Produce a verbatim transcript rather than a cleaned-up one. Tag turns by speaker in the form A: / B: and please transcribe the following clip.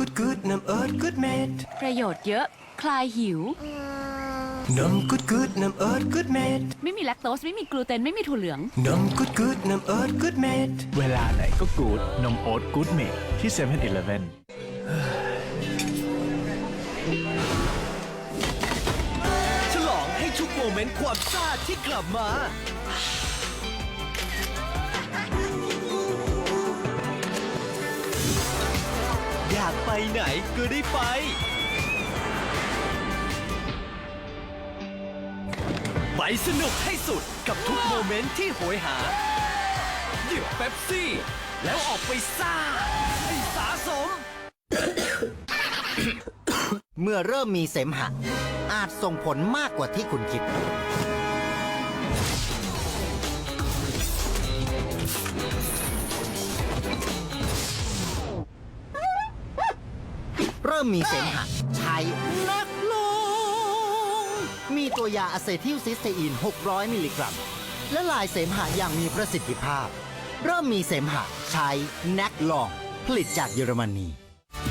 A: กุดกุดน้ำเอิร์ดกุดเม็ด
B: ประโยชน์เยอะคลายหิว
A: น้ำกุดกุดน้ำเอิร์ดกุดเม็ด
B: ไม่มีแลคโตสไม่มีกลูเตนไม่มีถั่วเหลือง
A: น้ำกุดกุดน้ำเอิร์ดกุดเม็ด
C: เวลาไหนก็กู๊ดนมโอ๊ตกู๊ดเมดที่เซเว่นอีเลฟเว่น
D: ฉลองให้ทุกโมเมนต์ความซ่าที่กลับมาอยากไปไหนก็ได้ไปไปสนุกให้สุดกับทุกโมเมนต์ที่โหยหาหยิบเป๊ปซี่แล้วออกไปซ่าให้สะสม
E: เมื่อเริ่มมีเสมหะอาจส่งผลมากกว่าที่คุณคิดเริ่มมีเสมหะใช้นักลงมีตัวยาอะเซทิลซิสเตอีนหกร้อยมิลลิกรัมและลายเสมหะอย่างมีประสิทธิภาพเริ่มมีเสมหะใช้นักลองผลิตจากเยอรมนี